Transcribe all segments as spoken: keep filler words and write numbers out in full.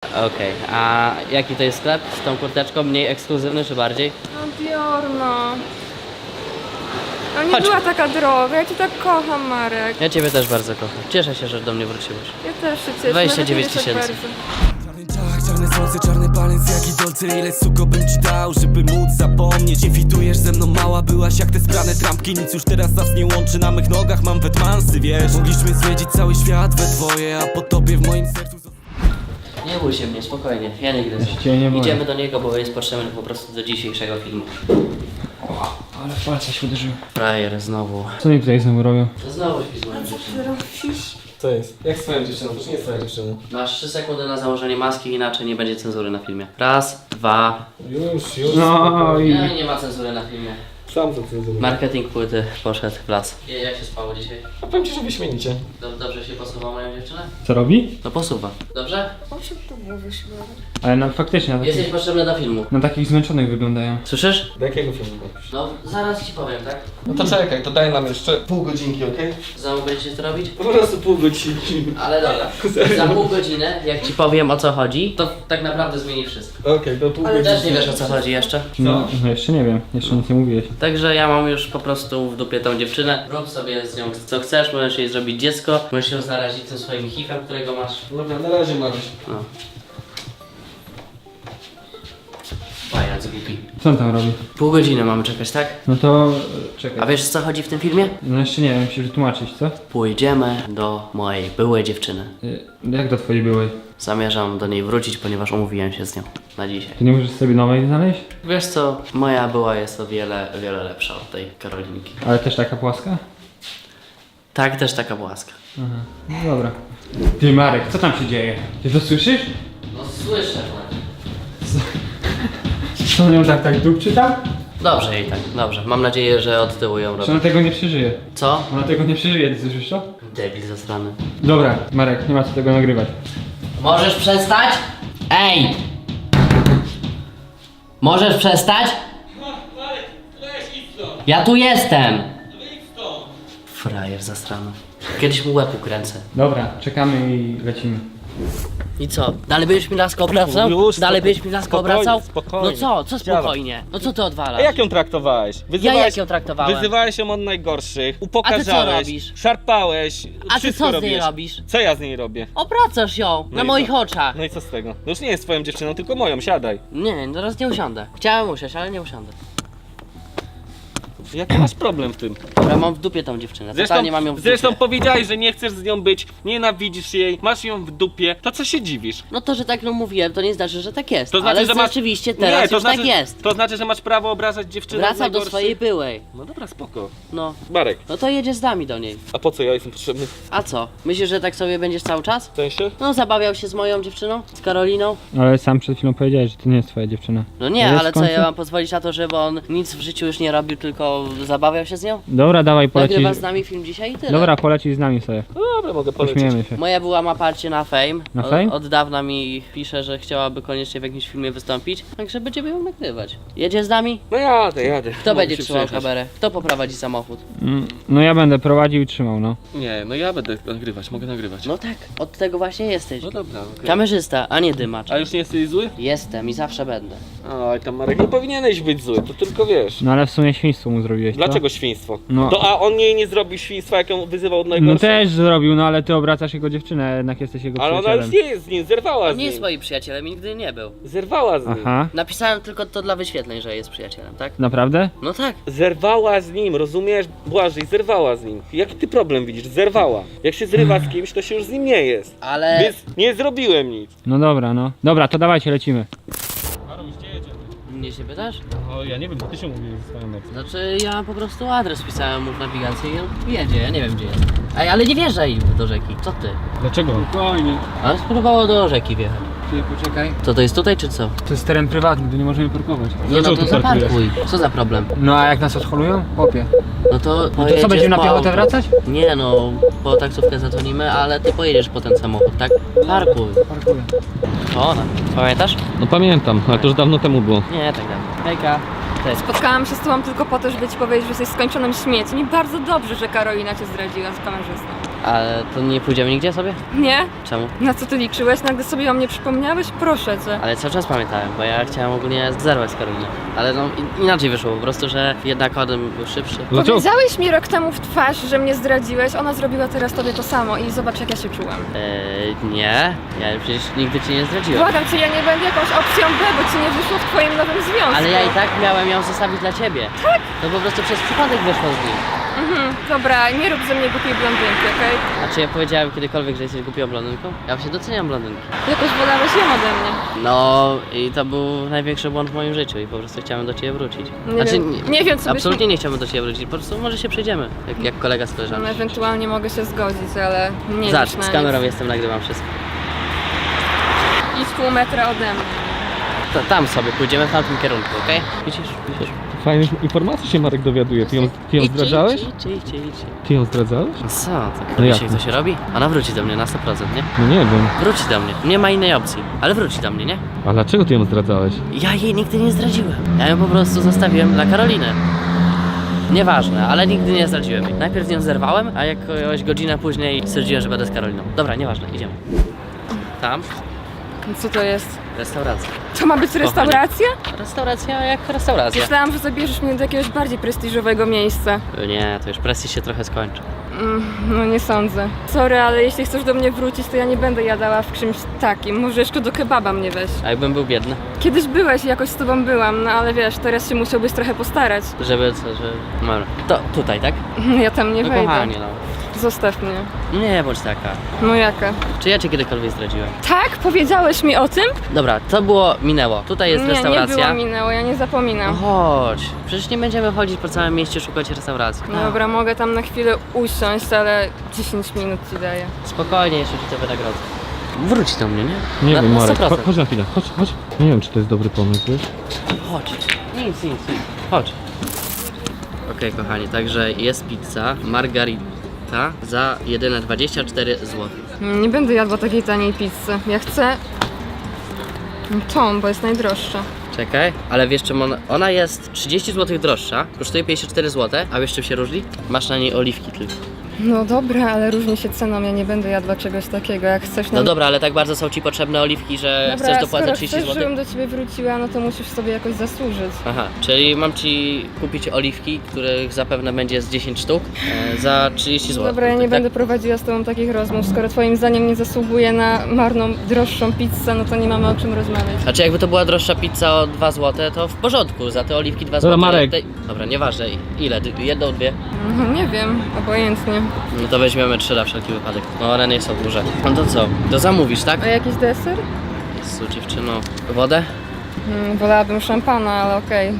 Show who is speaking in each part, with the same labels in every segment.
Speaker 1: Okej, okay. A jaki to jest sklep z tą kurteczką? Mniej ekskluzywny czy bardziej?
Speaker 2: No Dior, no. No nie
Speaker 1: Chodź.
Speaker 2: była taka droga, ja cię tak kocham, Marek.
Speaker 1: Ja ciebie też bardzo kocham. Cieszę się, że do mnie wróciłeś.
Speaker 2: Ja też się cieszę.
Speaker 1: dwadzieścia dziewięć
Speaker 2: nawet nie wiesz, jak
Speaker 1: tysięcy.
Speaker 2: bardzo.
Speaker 3: Czarny czach, czarne słońce, czarny palec, jaki dolce, ile suko bym ci dał, żeby móc zapomnieć. Nie fitujesz ze mną, mała byłaś jak te sprane trampki, nic już teraz nas nie łączy, na mych nogach mam wetmansy, wiesz. Mogliśmy zwiedzić cały świat we dwoje, a po tobie w moim sercu...
Speaker 1: Nie bój się mnie, spokojnie, ja nie gryzę.
Speaker 4: Cię nie boję.
Speaker 1: Idziemy do niego, bo jest potrzebny po prostu do dzisiejszego filmu.
Speaker 4: O, ale w palce się uderzył.
Speaker 1: Frajer znowu.
Speaker 4: Co oni tutaj znowu robią?
Speaker 1: Znowu śpi z moją dziewczyną.
Speaker 5: Co jest? Jak z twoją dziewczyną? To nie jest twoja dziewczyna.
Speaker 1: Masz trzy sekundy na założenie maski, inaczej nie będzie cenzury na filmie. Raz, dwa.
Speaker 5: Już, już.
Speaker 4: No i...
Speaker 1: Nie, nie ma cenzury na filmie.
Speaker 5: Sam to ty
Speaker 1: Marketing płyty poszedł w las. I jak się spało dzisiaj?
Speaker 5: A powiem ci, że wyśmienicie.
Speaker 1: Dob- Dobrze się posuwa moją dziewczynę?
Speaker 4: Co robi?
Speaker 1: No posuwa. Dobrze?
Speaker 2: On się tu mówi śmiało.
Speaker 4: Ale no faktycznie na
Speaker 1: Jesteś
Speaker 4: takich,
Speaker 1: potrzebny do filmu.
Speaker 4: na takich zmęczonych wyglądają.
Speaker 1: Słyszysz?
Speaker 5: Do jakiego filmu mówisz?
Speaker 1: No, zaraz ci powiem, tak?
Speaker 5: No to czekaj, to daj nam jeszcze pół godzinki, okej?
Speaker 1: Znowu będziecie to robić?
Speaker 5: Po prostu pół godzinki.
Speaker 1: Ale dobra. Za pół godziny, jak ci powiem o co chodzi, to tak naprawdę zmieni wszystko.
Speaker 5: Okej, to pół
Speaker 2: Ale
Speaker 5: godzinki.
Speaker 1: Też nie wiesz o co chodzi jeszcze.
Speaker 4: No, no jeszcze nie wiem, jeszcze nic nie mówiłeś.
Speaker 1: Także ja mam już po prostu w dupie tą dziewczynę. Rób sobie z nią co chcesz, możesz jej zrobić dziecko, możesz ją zarazić tym swoim hifem, którego masz.
Speaker 5: Dobra, na razie Maruś.
Speaker 1: No. Pajac głupi.
Speaker 4: Co on tam robi?
Speaker 1: Pół godziny mamy czekać, tak?
Speaker 4: No to...
Speaker 1: A
Speaker 4: czekaj.
Speaker 1: wiesz o co chodzi w tym filmie?
Speaker 4: No jeszcze nie wiem, musisz wytłumaczyć, co?
Speaker 1: Pójdziemy do mojej byłej dziewczyny.
Speaker 4: Y, Jak do twojej byłej?
Speaker 1: Zamierzam do niej wrócić, ponieważ umówiłem się z nią na dzisiaj.
Speaker 4: Ty nie możesz sobie nowej znaleźć?
Speaker 1: Wiesz co, moja była jest o wiele, wiele lepsza od tej Karolinki.
Speaker 4: Ale też taka płaska?
Speaker 1: Tak, też taka łaska.
Speaker 4: Aha, no dobra. Ty Marek, co tam się dzieje? Ty to słyszysz?
Speaker 1: No słyszę.
Speaker 4: Co on ją tak tak dupczy tam?
Speaker 1: Dobrze jej tak, dobrze. Mam nadzieję, że od tyłu ją
Speaker 4: Że
Speaker 1: robi.
Speaker 4: ona tego nie przeżyje.
Speaker 1: Co?
Speaker 4: Ona tego nie przeżyje, ty słyszysz to?
Speaker 1: Debil zasrany.
Speaker 4: Dobra, Marek, nie ma co tego nagrywać.
Speaker 1: Możesz przestać? Ej! Możesz przestać? Ja tu jestem! Frajer zasrany. Kiedyś mu łeb ukręcę.
Speaker 4: Dobra, czekamy i lecimy.
Speaker 1: I co? Dalej będziesz mi laskę obracał?
Speaker 5: Już,
Speaker 1: Dalej
Speaker 5: spoko-
Speaker 1: będziesz mi laskę
Speaker 5: spokojnie,
Speaker 1: obracał?
Speaker 5: spokojnie.
Speaker 1: No co? Co
Speaker 5: Chciałem.
Speaker 1: spokojnie? No co ty odwalasz?
Speaker 5: A jak ją traktowałeś?
Speaker 1: Ja jak ją traktowałem?
Speaker 5: Wyzywałeś ją od najgorszych,
Speaker 1: A ty
Speaker 5: upokarzałeś,
Speaker 1: co robisz?
Speaker 5: szarpałeś,
Speaker 1: A ty
Speaker 5: wszystko
Speaker 1: co z niej
Speaker 5: robiłeś.
Speaker 1: robisz?
Speaker 5: Co ja z niej robię?
Speaker 1: Obracasz ją
Speaker 5: No
Speaker 1: na
Speaker 5: i
Speaker 1: moich
Speaker 5: co?
Speaker 1: oczach.
Speaker 5: No i co z tego? No już nie jest twoją dziewczyną, tylko moją, siadaj.
Speaker 1: Nie, teraz nie usiądę. Chciałem usiąść, ale nie usiądę.
Speaker 5: Jaki masz problem w tym?
Speaker 1: Dobra, mam w dupie tą dziewczynę.
Speaker 5: Zresztą,
Speaker 1: Totalnie mam ją w dupie.
Speaker 5: zresztą powiedziałeś, że nie chcesz z nią być, nienawidzisz jej, masz ją w dupie, to co się dziwisz?
Speaker 1: No to, że tak no mówiłem, to nie znaczy, że tak jest.
Speaker 5: To znaczy,
Speaker 1: ale
Speaker 5: że masz...
Speaker 1: rzeczywiście teraz
Speaker 5: nie, to
Speaker 1: już
Speaker 5: znaczy,
Speaker 1: tak jest.
Speaker 5: To znaczy, że masz prawo obrażać dziewczynę
Speaker 1: Wracam do
Speaker 5: najgorszych?
Speaker 1: swojej byłej.
Speaker 5: No dobra, spoko.
Speaker 1: No.
Speaker 5: Marek,
Speaker 1: No to jedziesz z nami do niej.
Speaker 5: a po co ja jestem potrzebny?
Speaker 1: A co? Myślisz, że tak sobie będziesz cały czas?
Speaker 5: W sensie?
Speaker 1: No zabawiał się z moją dziewczyną? Z Karoliną?
Speaker 4: Ale sam przed chwilą powiedziałeś, że to nie jest twoja dziewczyna.
Speaker 1: No nie,
Speaker 4: To jest
Speaker 1: ale
Speaker 4: w
Speaker 1: co,
Speaker 4: końcu?
Speaker 1: ja mam pozwolić na to, żeby on nic w życiu już nie robił, tylko zabawiał się z nią?
Speaker 4: Dobra, dawaj, polecisz.
Speaker 1: Nagrywa z nami film dzisiaj i tyle.
Speaker 4: Dobra, polecisz z nami sobie.
Speaker 5: No dobra, mogę polecieć.
Speaker 4: Pośmiejemy się.
Speaker 1: Moja była ma parcie na Fame.
Speaker 4: Na
Speaker 1: Od-
Speaker 4: Fame?
Speaker 1: Od dawna mi pisze, że chciałaby koniecznie w jakimś filmie wystąpić, także będziemy ją nagrywać. Jedzie z nami?
Speaker 5: No jadę, jadę.
Speaker 1: Kto
Speaker 5: Mogę
Speaker 1: będzie
Speaker 5: się
Speaker 1: trzymał
Speaker 5: przejechać.
Speaker 1: kamerę? Kto poprowadzi samochód?
Speaker 4: Mm, No ja będę prowadził i trzymał, no.
Speaker 5: Nie, no ja będę nagrywać, mogę nagrywać.
Speaker 1: No tak, od tego właśnie jesteś.
Speaker 5: No dobra, okej.
Speaker 1: Kamerzysta, a nie dymacz.
Speaker 5: A już nie jesteś zły?
Speaker 1: Jestem i zawsze będę.
Speaker 5: Oj, tam Marek, nie powinieneś być zły, to tylko wiesz.
Speaker 4: No ale w sumie świństwo mu zrobiłeś, co?
Speaker 5: Dlaczego świństwo?
Speaker 4: No.
Speaker 5: To a on jej nie zrobił świństwa, jak ją wyzywał od
Speaker 4: No
Speaker 5: najgorszych?
Speaker 4: też zrobił, no ale ty obracasz jego dziewczynę, a jednak jesteś jego
Speaker 5: Ale ona
Speaker 4: przyjacielem.
Speaker 5: już nie jest z nim, zerwała z
Speaker 1: Nie jest
Speaker 5: nim.
Speaker 1: moim przyjacielem i nigdy nie był.
Speaker 5: Zerwała z nim.
Speaker 4: Aha,
Speaker 1: Napisałem tylko to dla wyświetleń, że jest przyjacielem, tak?
Speaker 4: naprawdę?
Speaker 1: No tak.
Speaker 5: Zerwała z nim, rozumiesz? Błażej, zerwała z nim. Jaki ty problem widzisz? Zerwała. Jak się zrywa z kimś, to się już z nim nie jest.
Speaker 1: Ale...
Speaker 5: Więc nie zrobiłem nic.
Speaker 4: No dobra, no. Dobra, to dawajcie, lecimy.
Speaker 5: Maruś, gdzie jedziemy?
Speaker 1: Mnie się pytasz?
Speaker 5: O, ja nie wiem, ty się mówisz ze swoją mecą.
Speaker 1: Znaczy ja po prostu adres wpisałem mu w nawigacji i on jedzie, ja nie wiem gdzie jest. Ej, ale nie wjeżdżaj do rzeki, co ty?
Speaker 5: Dlaczego?
Speaker 4: Spokojnie.
Speaker 1: Ale spróbowało do rzeki wjechać.
Speaker 4: Ty, poczekaj.
Speaker 1: Co to jest tutaj czy co?
Speaker 4: To jest teren prywatny, tu nie możemy parkować.
Speaker 1: Nie no
Speaker 5: Dlaczego
Speaker 1: to
Speaker 5: tu parkujesz?
Speaker 1: zaparkuj. Co za problem?
Speaker 4: No a jak nas odholują? Chłopie.
Speaker 1: No to
Speaker 4: No to
Speaker 1: pojedziesz
Speaker 4: co, będziemy na
Speaker 1: po
Speaker 4: piechotę
Speaker 1: auto.
Speaker 4: wracać?
Speaker 1: Nie no, po taksówkę zadzwonimy, ale ty pojedziesz po ten samochód, tak? Parkuj.
Speaker 4: Parkuję.
Speaker 1: To ona. Pamiętasz?
Speaker 5: No pamiętam, ale to już dawno temu było.
Speaker 1: Nie, tak dalej. Hejka. Cześć.
Speaker 2: Spotkałam się z tobą tylko po to, żeby ci powiedzieć, że jesteś skończonym śmieciem i bardzo dobrze, że Karolina cię zdradziła z kamerzystą.
Speaker 1: Ale to nie pójdziemy nigdzie sobie?
Speaker 2: Nie?
Speaker 1: Czemu?
Speaker 2: Na co ty liczyłeś? Nagle sobie o mnie przypomniałeś? Proszę cię.
Speaker 1: Ale cały czas pamiętałem, bo ja chciałem ogólnie zerwać z Karoliną. Ale no in- inaczej wyszło po prostu, że jednak Adam był szybszy.
Speaker 3: Dlaczego?
Speaker 2: Powiedziałeś mi rok temu w twarz, że mnie zdradziłeś. Ona zrobiła teraz tobie to samo i zobacz jak ja się czułam.
Speaker 1: Eee, nie, ja przecież nigdy cię nie zdradziłem.
Speaker 2: Błagam cię, ja nie będę jakąś opcją B, bo ci nie wyszło w twoim nowym związku.
Speaker 1: Ale ja i tak miałem ją zostawić dla ciebie. Tak? To po prostu przez przypadek wyszło z nim.
Speaker 2: Mhm, dobra, nie rób ze mnie głupiej blondynki, okej?
Speaker 1: A czy ja powiedziałem kiedykolwiek, że jesteś głupią blondynką? Ja się doceniam blondynki.
Speaker 2: Jakoś wolałeś ją ode mnie.
Speaker 1: No i to był największy błąd w moim życiu i po prostu chciałem do ciebie wrócić.
Speaker 2: Nie wiem, nie wiem, co byś
Speaker 1: absolutnie nie chciałbym do ciebie wrócić, po prostu może się przejdziemy, jak, jak kolega z
Speaker 2: No,
Speaker 1: koleżanką.
Speaker 2: ewentualnie mogę się zgodzić, ale nie
Speaker 1: Zacz,
Speaker 2: wiesz na
Speaker 1: z
Speaker 2: nic.
Speaker 1: kamerą jestem, nagrywam wszystko.
Speaker 2: Idź pół metra ode mnie.
Speaker 1: To, tam sobie, pójdziemy w tamtym kierunku, okej? Widzisz, widzisz.
Speaker 3: Fajnych informacji się Marek dowiaduje. Ty ją, ty ją
Speaker 1: Idźcie,
Speaker 3: zdradzałeś?
Speaker 1: idźcie, idźcie, idźcie.
Speaker 3: Ty ją zdradzałeś?
Speaker 1: No co, to
Speaker 3: No jak
Speaker 1: wiecie jak
Speaker 3: to?
Speaker 1: to się robi? Ona wróci do mnie na sto procent, nie?
Speaker 3: No nie wiem.
Speaker 1: Wróci do mnie, nie ma innej opcji, ale wróci do mnie, nie?
Speaker 3: A dlaczego ty ją zdradzałeś?
Speaker 1: Ja jej nigdy nie zdradziłem. Ja ją po prostu zostawiłem dla Karoliny. Nieważne, ale nigdy nie zdradziłem jej. Najpierw ją zerwałem, a jakąś godzinę później stwierdziłem, że będę z Karoliną. Dobra, nieważne, idziemy. Tam,
Speaker 2: Co to jest?
Speaker 1: restauracja.
Speaker 2: To ma być restauracja?
Speaker 1: Restauracja jak restauracja.
Speaker 2: Myślałam, że zabierzesz mnie do jakiegoś bardziej prestiżowego miejsca.
Speaker 1: Nie, to już prestiż się trochę skończy.
Speaker 2: Mm, no nie sądzę. Sorry, ale jeśli chcesz do mnie wrócić, to ja nie będę jadała w czymś takim. Może jeszcze do kebaba mnie weź.
Speaker 1: A jakbym był biedny?
Speaker 2: Kiedyś byłeś i jakoś z tobą byłam, no ale wiesz, teraz się musiałbyś trochę postarać.
Speaker 1: Żeby co, że... Dobra. To tutaj, tak?
Speaker 2: Ja tam nie
Speaker 1: No
Speaker 2: wejdę.
Speaker 1: kochanie, no.
Speaker 2: Zostaw mnie.
Speaker 1: Nie bądź taka.
Speaker 2: No jaka?
Speaker 1: Czy ja cię kiedykolwiek zdradziłem?
Speaker 2: Tak? Powiedziałeś mi o tym?
Speaker 1: Dobra, to było, minęło. Tutaj jest
Speaker 2: nie,
Speaker 1: restauracja.
Speaker 2: nie było minęło, ja nie
Speaker 1: No
Speaker 2: zapominam.
Speaker 1: chodź, przecież nie będziemy chodzić po całym mieście szukać restauracji.
Speaker 2: No dobra, mogę tam na chwilę usiąść, ale dziesięć minut ci daję.
Speaker 1: Spokojnie, jeszcze ci to wynagrodzę. Wróć do mnie, nie?
Speaker 3: Nie
Speaker 1: na,
Speaker 3: wiem,
Speaker 1: na
Speaker 3: Marek.
Speaker 1: sto procent.
Speaker 3: Cho- chodź na chwilę. Chodź, chodź. Nie wiem, czy to jest dobry pomysł, wiesz?
Speaker 1: Chodź. Nic, nic, nic. Chodź. Okej, kochani, także jest pizza margarita za jedyne dwadzieścia cztery złote.
Speaker 2: Nie będę jadła takiej taniej pizzy. Ja chcę tą, bo jest najdroższa.
Speaker 1: Czekaj, ale wiesz czym ona, ona jest trzydzieści złotych droższa, kosztuje pięćdziesiąt cztery złote, a wiesz czym się różni? Masz na niej oliwki tylko.
Speaker 2: No dobra, ale różni się ceną, ja nie będę jadła czegoś takiego. Jak chcesz na...
Speaker 1: No dobra, ale tak bardzo są ci potrzebne oliwki, że
Speaker 2: Dobra,
Speaker 1: chcesz dopłacać
Speaker 2: skoro
Speaker 1: trzydzieści
Speaker 2: chcesz,
Speaker 1: złotych?
Speaker 2: żebym do ciebie wróciła, no to musisz sobie jakoś zasłużyć.
Speaker 1: Aha, czyli mam ci kupić oliwki, których zapewne będzie z dziesięć sztuk, e, za trzydzieści złotych.
Speaker 2: Dobra, ja nie
Speaker 1: tak?
Speaker 2: będę prowadziła z tobą takich rozmów. Skoro twoim zdaniem nie zasługuje na marną, droższą pizzę, no to nie mamy o czym rozmawiać.
Speaker 1: Znaczy jakby to była droższa pizza o dwa złote, to w porządku, za te oliwki dwa złote.
Speaker 3: Marek.
Speaker 1: Tej- Dobra, nieważne, ile? D- Jedną, dwie?
Speaker 2: No nie wiem, obojętnie.
Speaker 1: No to weźmiemy trzy na wszelki wypadek. No one nie są duże. No to co? To zamówisz, tak?
Speaker 2: A jakiś deser?
Speaker 1: Jezu, dziewczyno. Wodę?
Speaker 2: Hmm, wolałabym szampana, ale okej.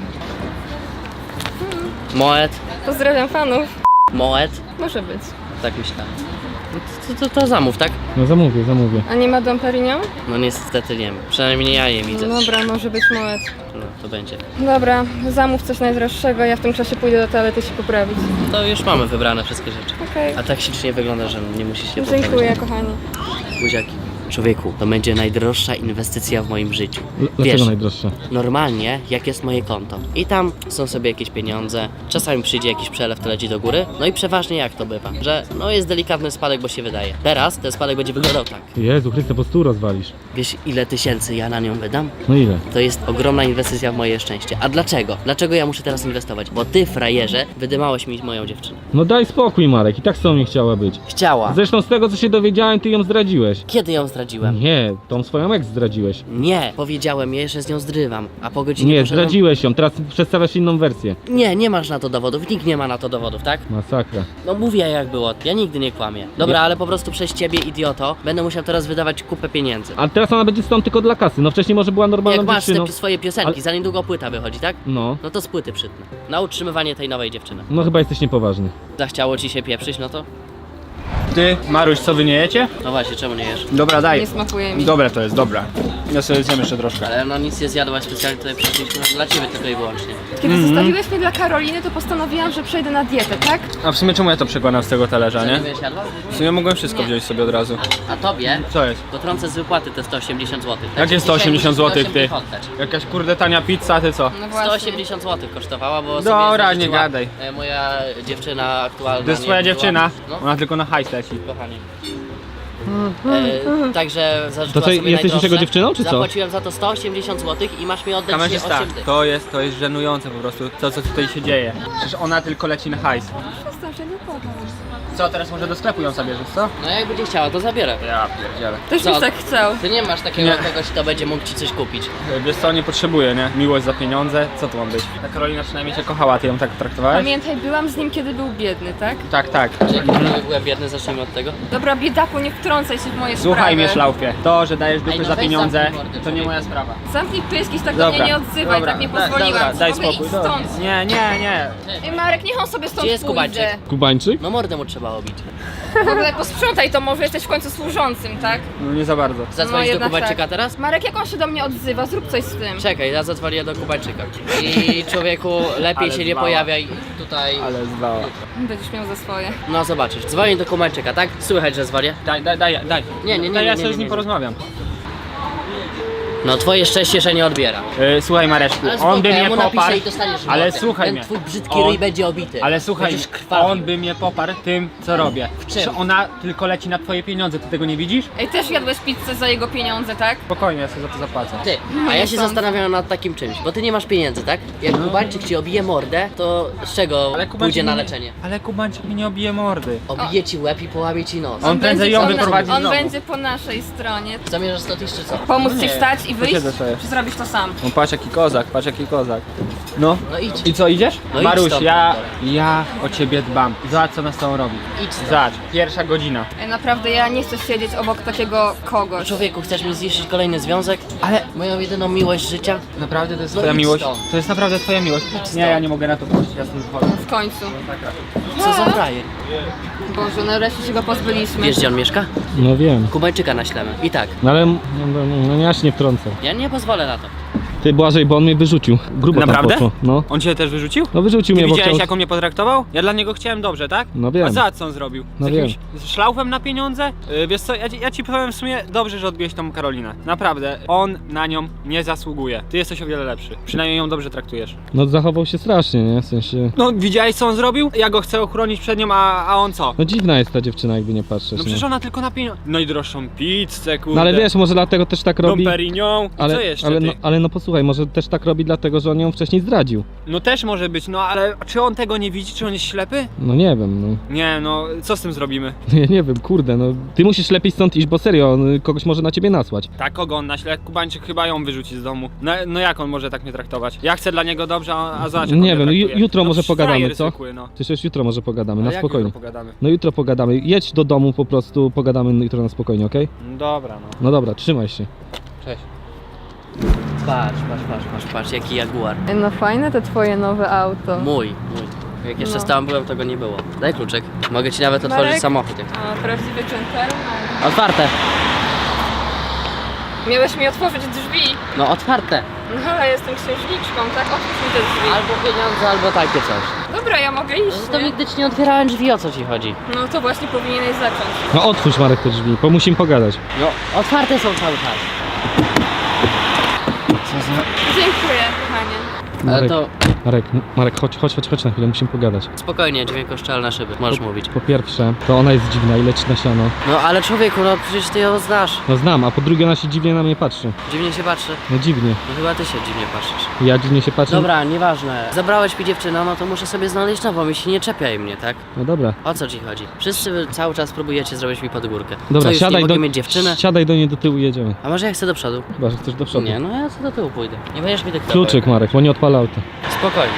Speaker 1: Moet?
Speaker 2: Pozdrawiam fanów.
Speaker 1: Moet?
Speaker 2: Może być.
Speaker 1: Tak myślałem. No to, to, to zamów, tak?
Speaker 3: No zamówię, zamówię.
Speaker 2: A nie ma Dom Perignon?
Speaker 1: No niestety nie. Przynajmniej ja je widzę.
Speaker 2: No dobra, może być Moet.
Speaker 1: No to będzie.
Speaker 2: Dobra, zamów coś najdroższego, ja w tym czasie pójdę do toalety się poprawić.
Speaker 1: To już mamy wybrane wszystkie rzeczy.
Speaker 2: Okej.
Speaker 1: A tak ślicznie wygląda, że nie musisz się poprawić.
Speaker 2: Dziękuję, kochani.
Speaker 1: Buziaki. Człowieku, to będzie najdroższa inwestycja w moim życiu.
Speaker 3: L- dlaczego
Speaker 1: Wiesz,
Speaker 3: najdroższa?
Speaker 1: normalnie jak jest moje konto i tam są sobie jakieś pieniądze, czasami przyjdzie jakiś przelew, to leci do góry, no i przeważnie jak to bywa, że no jest delikatny spadek, bo się wydaje. Teraz ten spadek będzie wyglądał tak.
Speaker 3: Jezu Chryste, po stół rozwalisz.
Speaker 1: Wiesz ile tysięcy ja na nią wydam?
Speaker 3: No ile?
Speaker 1: To jest ogromna inwestycja w moje szczęście. A dlaczego? Dlaczego ja muszę teraz inwestować? Bo ty, frajerze, wydymałeś mi moją dziewczynę.
Speaker 3: No daj spokój, Marek. I tak z tobą nie chciała być.
Speaker 1: Chciała.
Speaker 3: Zresztą z tego, co się dowiedziałem, ty ją zdradziłeś.
Speaker 1: Kiedy ją zdradziłem?
Speaker 3: Nie, tą swoją ex zdradziłeś.
Speaker 1: Nie, powiedziałem jej, że z nią zrywam, a po godzinie
Speaker 3: Nie,
Speaker 1: poszedłem-
Speaker 3: zdradziłeś ją. Teraz przedstawiasz inną wersję.
Speaker 1: Nie, nie masz na to dowodów, nikt nie ma na to dowodów, tak?
Speaker 3: Masakra.
Speaker 1: No mówię jak było, ja nigdy nie kłamię. Dobra,
Speaker 3: Nie.
Speaker 1: ale po prostu przez ciebie, idioto, będę musiał teraz wydawać kupę pieniędzy.
Speaker 3: Ale teraz ona będzie stąd tylko dla kasy. No wcześniej może była normalną
Speaker 1: Jak masz te
Speaker 3: dziewczyną.
Speaker 1: pi- swoje piosenki,
Speaker 3: Ale-
Speaker 1: za niedługo płyta wychodzi, tak?
Speaker 3: No.
Speaker 1: No to z płyty przytnę. Na utrzymywanie tej nowej dziewczyny.
Speaker 3: No chyba jesteś niepoważny.
Speaker 1: Zachciało ci się pieprzyć, no to?
Speaker 4: Ty, Maruś, co wy nie jecie?
Speaker 1: No właśnie, czemu nie jesz?
Speaker 4: Dobra, daj.
Speaker 2: Nie smakuje mi.
Speaker 4: Dobre to jest, dobra. Ja sobie zjem jeszcze troszkę.
Speaker 1: Ale no nic nie zjadłaś, specjalnie tutaj przyszliśmy dla ciebie tylko i wyłącznie.
Speaker 2: Kiedy zostawiłeś mnie dla Karoliny, to postanowiłam, że przejdę na dietę, tak?
Speaker 4: A w sumie czemu ja to przekładam z tego talerza,
Speaker 1: Co,
Speaker 4: nie?
Speaker 1: nie będziesz jadła?
Speaker 4: W sumie mogłem wszystko
Speaker 1: Nie.
Speaker 4: wziąć sobie od razu.
Speaker 1: A tobie?
Speaker 4: Co jest?
Speaker 1: To trącę z wypłaty te sto osiemdziesiąt złotych.
Speaker 4: Jakie sto osiemdziesiąt złotych, ty?
Speaker 1: Oddać.
Speaker 4: Jakaś kurde tania pizza, ty co?
Speaker 2: No
Speaker 1: sto
Speaker 2: właśnie.
Speaker 1: osiemdziesiąt złotych kosztowała, bo
Speaker 4: Dobra,
Speaker 1: sobie
Speaker 4: nie
Speaker 1: zażyczyła,
Speaker 4: gadaj.
Speaker 1: e, moja dziewczyna aktualna.
Speaker 4: To jest
Speaker 1: nie
Speaker 4: twoja
Speaker 1: była-
Speaker 4: dziewczyna?
Speaker 1: No,
Speaker 4: Ona tylko na hajs leci.
Speaker 1: kochanie. E, także zażyczyła
Speaker 6: To co,
Speaker 1: sobie
Speaker 6: jesteś już
Speaker 1: najdroższe.
Speaker 6: jego dziewczyną, czy co?
Speaker 1: Zapłaciłem za to sto osiemdziesiąt złotych i masz mi oddać
Speaker 4: Kamerzysta,
Speaker 1: osiem dych.
Speaker 4: to jest, to jest żenujące po prostu, to co tutaj się dzieje. Przecież ona tylko leci na hajs.
Speaker 2: Przestań, że nie podam.
Speaker 4: Co, teraz może do sklepu ją zabierzesz, co?
Speaker 1: No jak będzie chciała, to zabierę.
Speaker 4: Ja pierdzielę.
Speaker 2: Też
Speaker 1: Co?
Speaker 2: byś tak chciał.
Speaker 1: Ty nie masz takiego
Speaker 4: Nie.
Speaker 1: kogoś, kto będzie mógł ci coś kupić.
Speaker 4: Wiesz co, nie potrzebuję, nie? Miłość za pieniądze, co to ma być? Ta Karolina przynajmniej cię kochała, ty ją tak traktowałeś?
Speaker 2: Pamiętaj, byłam z nim, kiedy był biedny, tak?
Speaker 4: Tak, tak.
Speaker 1: Czy jak byłem biedny, zacznijmy od tego.
Speaker 2: Dobra, biedaku, nie wtrącaj się w moje
Speaker 4: Słuchaj
Speaker 2: sprawy.
Speaker 4: mnie, szlaufie. To, że dajesz dupy
Speaker 1: Ej, no
Speaker 4: za
Speaker 1: weź
Speaker 4: pieniądze,
Speaker 1: zamknij mordę,
Speaker 4: to nie
Speaker 1: człowieku.
Speaker 4: moja sprawa.
Speaker 2: Zamknij pysk i tak do mnie nie odzywaj, tak nie
Speaker 4: da-
Speaker 2: pozwoliłam.
Speaker 4: Dobra,
Speaker 2: ci.
Speaker 4: daj
Speaker 2: W ogóle
Speaker 4: spokój.
Speaker 2: idź
Speaker 4: dobra.
Speaker 2: stąd.
Speaker 4: Nie, nie, nie.
Speaker 2: Ej, Marek, niech on sobie stąd
Speaker 1: Gdzie jest
Speaker 2: pójdzie.
Speaker 1: Kubańczyk?
Speaker 6: Kubańczyk?
Speaker 1: No mordę mu trzeba obić.
Speaker 2: W ogóle posprzątaj to, może jesteś w końcu służącym, tak?
Speaker 4: No nie za bardzo.
Speaker 1: Zadzwonić do
Speaker 2: jednak
Speaker 1: Kubańczyka
Speaker 2: tak.
Speaker 1: teraz?
Speaker 2: Marek, jak on się do mnie odzywa? Zrób coś z tym.
Speaker 1: Czekaj, ja zadzwonię do Kubańczyka. I człowieku, lepiej
Speaker 4: Ale
Speaker 1: się nie
Speaker 4: zwała.
Speaker 1: pojawiaj tutaj.
Speaker 4: Ale zdała.
Speaker 2: Będziesz miał za swoje.
Speaker 1: No zobaczysz, dzwonię do Kubańczyka, tak? Słychać, że zwarię?
Speaker 4: Daj, daj, daj, daj.
Speaker 1: Nie, nie, nie,
Speaker 4: Daj, ja
Speaker 1: nie, nie,
Speaker 4: sobie z
Speaker 1: nie,
Speaker 4: nim
Speaker 1: nie.
Speaker 4: porozmawiam.
Speaker 1: No twoje szczęście, że nie odbiera.
Speaker 4: Yy, słuchaj Mareczku,
Speaker 1: Ale
Speaker 4: on
Speaker 1: spoko,
Speaker 4: by
Speaker 1: ja
Speaker 4: mnie
Speaker 1: mu napiszę
Speaker 4: poparł,
Speaker 1: i dostaniesz
Speaker 4: ale
Speaker 1: mordę.
Speaker 4: słuchaj
Speaker 1: Ten
Speaker 4: mnie.
Speaker 1: twój brzydki
Speaker 4: On-
Speaker 1: ryj będzie obity.
Speaker 4: Ale słuchaj,
Speaker 1: Będziesz krwawy.
Speaker 4: on by mnie poparł tym, co robię.
Speaker 1: W czym?
Speaker 4: Że ona tylko leci na twoje pieniądze, ty tego nie widzisz?
Speaker 2: Ej, też jadłeś pizzę za jego pieniądze, tak?
Speaker 4: Spokojnie, ja sobie za to zapłacę.
Speaker 1: Ty, a ja się zastanawiam nad takim czymś, bo ty nie masz pieniędzy, tak? Jak Kubańczyk ci obije mordę, to z czego
Speaker 4: Ale Kubańczyk
Speaker 1: pójdzie na
Speaker 4: mi nie-
Speaker 1: leczenie?
Speaker 4: Ale Kubańczyk mi nie obije mordy.
Speaker 1: Obije ci łeb i połamie ci nos.
Speaker 4: On prędzej
Speaker 2: będzie
Speaker 4: ją
Speaker 2: po-
Speaker 4: wyprowadzi z
Speaker 2: On
Speaker 4: domu.
Speaker 2: będzie po naszej stronie.
Speaker 1: Zamierzasz stąd iść czy co?
Speaker 2: Pomóc
Speaker 4: Nie,
Speaker 2: ci wstać i wyjść?
Speaker 4: posiedzę sobie.
Speaker 2: Czy zrobisz to sam?
Speaker 4: No patrz jaki kozak, patrz jaki kozak. No.
Speaker 1: No idź.
Speaker 4: I co, idziesz?
Speaker 1: No idź
Speaker 4: Maruś,
Speaker 1: stąd.
Speaker 4: ja, ja o ciebie dbam. Zobacz co nas z tobą robi.
Speaker 1: Idź stąd.
Speaker 4: Zobacz, pierwsza godzina.
Speaker 2: Ej, naprawdę, ja nie chcę siedzieć obok takiego kogoś.
Speaker 1: Człowieku, chcesz mi zniszczyć kolejny związek?
Speaker 4: Ale
Speaker 1: Moją jedyną miłość życia?
Speaker 4: naprawdę to jest
Speaker 1: No
Speaker 4: twoja
Speaker 1: idź
Speaker 4: miłość?
Speaker 1: stąd.
Speaker 4: To jest naprawdę twoja miłość? Nie, ja nie mogę na to pójść, ja stąd wychodzę.
Speaker 2: W końcu.
Speaker 1: Co za frajer?
Speaker 2: Boże, nareszcie się go pozbyliśmy.
Speaker 1: Wiesz gdzie on mieszka?
Speaker 6: No wiem.
Speaker 1: Kubańczyka naślemy. I tak,
Speaker 6: No ale no, no, no, ja się nie wtrącę.
Speaker 1: ja nie pozwolę na to.
Speaker 6: Ty Błażej, bo on mnie wyrzucił. Grubo
Speaker 4: Naprawdę?
Speaker 6: tam poszło. No.
Speaker 4: On cię też wyrzucił?
Speaker 6: No wyrzucił
Speaker 4: Ty
Speaker 6: mnie, bo
Speaker 4: widziałeś
Speaker 6: chciał...
Speaker 4: jak on mnie potraktował? Ja dla niego chciałem dobrze, tak?
Speaker 6: No wiem.
Speaker 4: A za co on zrobił? Z
Speaker 6: No
Speaker 4: jakimś szlaufem na pieniądze? Yy, wiesz co, ja, ci- ja ci powiem w sumie dobrze, że odbiłeś tą Karolinę. Naprawdę, on na nią nie zasługuje. Ty jesteś o wiele lepszy. Przynajmniej ją dobrze traktujesz.
Speaker 6: No zachował się strasznie, nie? W sensie...
Speaker 4: No widziałeś co on zrobił? Ja go chcę ochronić przed nią, a, a on co?
Speaker 6: No dziwna jest ta dziewczyna, jakby nie patrzeć.
Speaker 4: No przecież ona tylko na pieniądze. Najdroższą pizzę, kurde.
Speaker 6: No ale wiesz, może dlatego też tak robi...
Speaker 4: Dom Perignon. I
Speaker 6: Ale,
Speaker 4: co jeszcze
Speaker 6: ale,
Speaker 4: ty?
Speaker 6: no, ale no posłuchaj, może też tak robi dlatego, że on ją wcześniej zdradził.
Speaker 4: No też może być, no ale czy on tego nie widzi? Czy on jest ślepy?
Speaker 6: No nie wiem, no.
Speaker 4: Nie, no co z tym zrobimy?
Speaker 6: Ja nie wiem, kurde, no. Ty musisz lepiej stąd iść, bo serio, on kogoś może na ciebie nasłać.
Speaker 4: Tak, kogo on naśle? Kubańczyk chyba ją wyrzuci z domu. No, no jak on może tak mnie traktować? Ja chcę dla niego dobrze, a a zobacz jak on
Speaker 6: Nie
Speaker 4: mnie
Speaker 6: wiem, ju-
Speaker 4: traktuje.
Speaker 6: jutro
Speaker 4: no,
Speaker 6: może
Speaker 4: przecież
Speaker 6: pogadamy,
Speaker 4: frajer
Speaker 6: co?
Speaker 4: zwykły, no.
Speaker 6: Przecież jutro może pogadamy,
Speaker 4: Ale
Speaker 6: na
Speaker 4: jak
Speaker 6: spokojnie.
Speaker 4: jutro pogadamy?
Speaker 6: No jutro pogadamy. Jedź do domu po prostu, pogadamy jutro na spokojnie, okej?
Speaker 4: No dobra, no.
Speaker 6: No dobra, trzymaj się.
Speaker 4: Cześć.
Speaker 1: Patrz, patrz, patrz, patrz, patrz, jaki jaguar.
Speaker 2: Ej, no fajne te twoje nowe auto.
Speaker 1: Mój, mój. Jak jeszcze
Speaker 2: No.
Speaker 1: tam byłem, to go nie było. Daj kluczyk. Mogę ci nawet otworzyć
Speaker 2: Marek?
Speaker 1: samochód. Jak...
Speaker 2: O, prawdziwy gentleman.
Speaker 1: Otwarte.
Speaker 2: Miałeś mi otworzyć drzwi.
Speaker 1: No otwarte.
Speaker 2: No, ale jestem księżniczką, tak? Otwórz mi te drzwi.
Speaker 1: Albo pieniądze, albo takie coś.
Speaker 2: Dobra, ja mogę iść,
Speaker 1: To
Speaker 2: nie?
Speaker 1: nigdy ci nie otwierałem drzwi, o co ci chodzi?
Speaker 2: No to właśnie powinieneś zacząć.
Speaker 6: No otwórz Marek te drzwi, bo musimy pogadać.
Speaker 1: No, otwarte są cały czas.
Speaker 2: Dziękuję, kochanie.
Speaker 1: Ale
Speaker 6: Marek,
Speaker 1: to
Speaker 6: Marek, Marek, chodź, chodź, chodź, chodź na chwilę, musimy pogadać.
Speaker 1: spokojnie, dźwiękoszczelne szyby, możesz mówić.
Speaker 6: Po pierwsze, to ona jest dziwna i leci na siano.
Speaker 1: No ale człowieku, no przecież ty ją znasz.
Speaker 6: No znam, a po drugie ona się dziwnie na mnie patrzy.
Speaker 1: Dziwnie się patrzy.
Speaker 6: No dziwnie.
Speaker 1: No chyba ty się dziwnie patrzysz.
Speaker 6: Ja dziwnie się patrzę.
Speaker 1: Dobra, nieważne. Zabrałeś mi dziewczynę, no to muszę sobie znaleźć nową i się nie czepiaj mnie, tak?
Speaker 6: No dobra.
Speaker 1: O co ci chodzi? Wszyscy wy cały czas próbujecie zrobić mi pod górkę.
Speaker 6: Dobra,
Speaker 1: co, już
Speaker 6: siadaj
Speaker 1: nie mogę
Speaker 6: do,
Speaker 1: mieć dziewczynę?
Speaker 6: siadaj do niej do tyłu i jedziemy.
Speaker 1: A może ja chcę do przodu?
Speaker 6: Chyba, że chcesz do przodu.
Speaker 1: Nie, no ja co do tyłu pójdę. Nie będziesz mi dyktował.
Speaker 6: Kluczyk Marek, bo nie odpala auta.
Speaker 1: Spokojnie.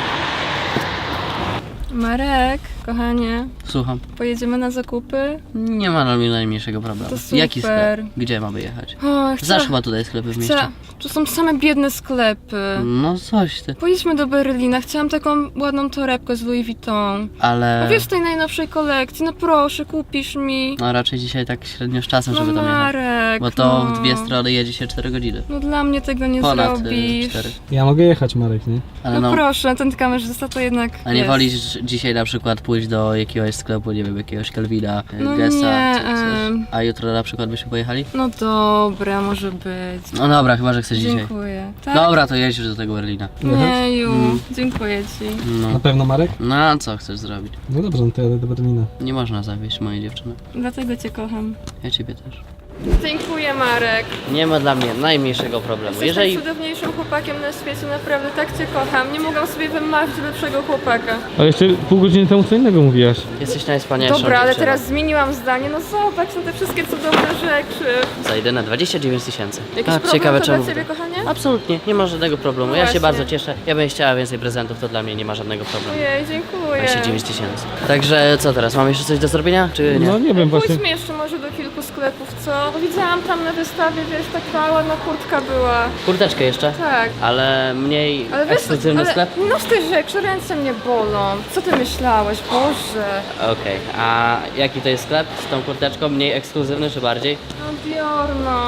Speaker 2: Marek, kochanie,
Speaker 1: Słucham.
Speaker 2: pojedziemy na zakupy?
Speaker 1: Nie ma na mnie najmniejszego problemu.
Speaker 2: To super.
Speaker 1: Jaki sklep? Gdzie mamy jechać?
Speaker 2: O, chcę...
Speaker 1: Znasz chyba tutaj sklepy w mieście.
Speaker 2: Chcę... To są same biedne sklepy.
Speaker 1: No coś ty.
Speaker 2: Pojedźmy do Berlina, chciałam taką ładną torebkę z Louis Vuitton.
Speaker 1: Ale...
Speaker 2: No wiesz, tej najnowszej kolekcji, no proszę, kupisz mi.
Speaker 1: No raczej dzisiaj tak średnio z czasem,
Speaker 2: No
Speaker 1: żeby tam jechać.
Speaker 2: Marek,
Speaker 1: Bo to
Speaker 2: no.
Speaker 1: w dwie strony jedzie się cztery godziny.
Speaker 2: No dla mnie tego nie
Speaker 1: Ponad y,
Speaker 2: zrobisz.
Speaker 1: cztery.
Speaker 6: Ja mogę jechać, Marek, nie?
Speaker 1: Ale
Speaker 2: No,
Speaker 1: no,
Speaker 2: proszę, ten kamerzysta to jednak
Speaker 1: a nie
Speaker 2: jest.
Speaker 1: wolisz dzisiaj na przykład pójść do jakiegoś sklepu, nie wiem, jakiegoś Kelvina,
Speaker 2: No
Speaker 1: Gessa,
Speaker 2: nie,
Speaker 1: czy coś.
Speaker 2: em.
Speaker 1: A jutro na przykład byśmy pojechali?
Speaker 2: No dobra, może być.
Speaker 1: No dobra, chyba, że chcesz dzisiaj.
Speaker 2: Dziękuję. Tak?
Speaker 1: Dobra, to jedź już do tego Berlina.
Speaker 2: Nie, ju,
Speaker 1: Mm.
Speaker 2: dziękuję ci.
Speaker 1: No.
Speaker 6: Na pewno, Marek?
Speaker 1: No a co chcesz zrobić?
Speaker 6: No dobrze, no to jadę do Berlina.
Speaker 1: Nie można zawieść mojej dziewczyny.
Speaker 2: Dlatego cię kocham.
Speaker 1: Ja ciebie też.
Speaker 2: Dziękuję, Marek.
Speaker 1: Nie ma dla mnie najmniejszego problemu.
Speaker 2: Jesteś
Speaker 1: Jeżeli...
Speaker 2: najcudowniejszym chłopakiem na świecie, naprawdę tak cię kocham. Nie mogłam sobie wymarzyć lepszego chłopaka.
Speaker 6: Ale jeszcze pół godziny temu co innego mówiłaś.
Speaker 1: Jesteś najwspanialszą
Speaker 2: Dobra, ale
Speaker 1: dziewczyną.
Speaker 2: teraz zmieniłam zdanie. No zobacz na te wszystkie cudowne rzeczy.
Speaker 1: Zajdę na dwadzieścia dziewięć tysięcy.
Speaker 2: Jakiś
Speaker 1: A,
Speaker 2: problem
Speaker 1: ciekawe
Speaker 2: to
Speaker 1: czemu.
Speaker 2: dla ciebie, kochanie?
Speaker 1: Absolutnie, nie ma żadnego problemu.
Speaker 2: No
Speaker 1: Ja się
Speaker 2: właśnie.
Speaker 1: bardzo cieszę. Ja bym chciała więcej prezentów, to dla mnie nie ma żadnego problemu.
Speaker 2: Ojej, dziękuję.
Speaker 1: dwadzieścia dziewięć tysięcy. Także co teraz? Mam jeszcze coś do zrobienia, czy nie?
Speaker 6: No nie wiem właśnie.
Speaker 2: Pójdźmy jeszcze może do kilku sklepów, co? Bo widziałam tam na wystawie, wiesz, taka ładna kurtka była.
Speaker 1: Kurteczkę jeszcze?
Speaker 2: Tak.
Speaker 1: Ale mniej
Speaker 2: Ale wiesz,
Speaker 1: ekskluzywny
Speaker 2: ale
Speaker 1: sklep?
Speaker 2: noś te rzeczy, ręce mnie bolą. Co ty myślałeś? Boże.
Speaker 1: Okej, a jaki to jest sklep z tą kurteczką? Mniej ekskluzywny czy bardziej?
Speaker 2: No Bjorno.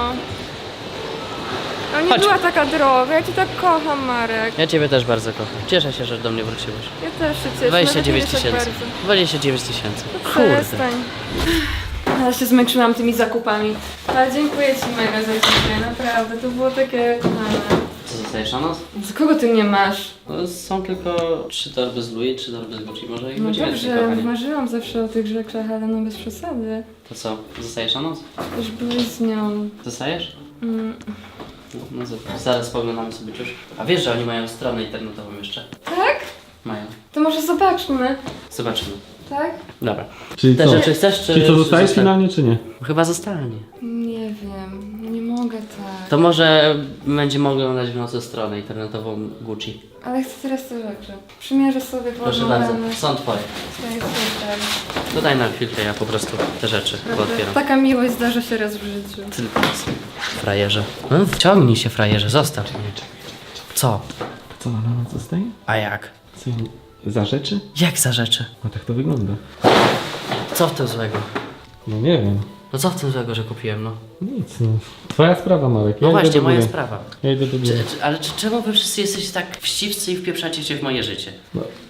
Speaker 2: No nie
Speaker 1: Chodź.
Speaker 2: była taka droga, ja cię tak kocham, Marek.
Speaker 1: Ja ciebie też bardzo kocham. Cieszę się, że do mnie wróciłeś.
Speaker 2: Ja też się cieszę.
Speaker 1: dwadzieścia
Speaker 2: nawet nie
Speaker 1: dziewięć
Speaker 2: wiesz, jak
Speaker 1: tysięcy.
Speaker 2: bardzo.
Speaker 1: dwadzieścia dziewięć tysięcy. Kurde.
Speaker 2: Przestań. Ja się zmęczyłam tymi zakupami. Ale dziękuję ci mega za dzisiaj, naprawdę. To było takie kochane.
Speaker 1: Co zostajesz na noc?
Speaker 2: Z kogo ty nie masz?
Speaker 1: No, są tylko trzy torby z Louis, trzy torby z Gucci. Może ich
Speaker 2: No
Speaker 1: będzie więcej,
Speaker 2: dobrze,
Speaker 1: kochanie.
Speaker 2: marzyłam zawsze o tych rzeczach, ale no bez przesady.
Speaker 1: To co? Zostajesz na noc?
Speaker 2: Już byłeś z nią.
Speaker 1: Zostajesz?
Speaker 2: Mm.
Speaker 1: No, no zobacz, zaraz poglądamy sobie już. A wiesz, że oni mają stronę internetową jeszcze?
Speaker 2: Tak?
Speaker 1: Mają.
Speaker 2: To może zobaczmy.
Speaker 1: Zobaczymy.
Speaker 2: Tak?
Speaker 1: Dobra.
Speaker 6: Czyli
Speaker 1: Te
Speaker 6: co?
Speaker 1: rzeczy chcesz, czy...
Speaker 6: Czyli co,
Speaker 1: czy
Speaker 6: zostajesz
Speaker 1: zostań-
Speaker 6: finalnie, czy nie?
Speaker 1: Chyba zostanie.
Speaker 2: Nie wiem, nie mogę tak.
Speaker 1: To może będzie mogło oglądać w nocy stronę internetową Gucci.
Speaker 2: Ale chcę teraz te rzeczy. Przymierzę sobie
Speaker 1: Proszę
Speaker 2: poodmawiane.
Speaker 1: bardzo, są twoje.
Speaker 2: Swoje super.
Speaker 1: To daj nam chwilkę, ja po prostu te rzeczy pootwieram.
Speaker 2: Taka miłość zdarza się raz w życiu.
Speaker 1: Tylko raz. Frajerze. No, wciągnij się, frajerze, zostaw mnie. Co?
Speaker 6: Co, na noc zostaje?
Speaker 1: A jak?
Speaker 6: Co, za rzeczy?
Speaker 1: Jak za rzeczy?
Speaker 6: No tak to wygląda.
Speaker 1: Co w tym złego?
Speaker 6: No nie wiem.
Speaker 1: No co w tym złego, że kupiłem, no?
Speaker 6: Nic, no. Twoja sprawa, Marek. Ja
Speaker 1: No
Speaker 6: idę
Speaker 1: właśnie,
Speaker 6: do
Speaker 1: moja
Speaker 6: góry.
Speaker 1: sprawa.
Speaker 6: Ja idę do
Speaker 1: Czy,
Speaker 6: góry.
Speaker 1: czy, ale czy, czemu wy wszyscy jesteście tak wścibscy i wpieprzacie się w moje życie?
Speaker 6: No,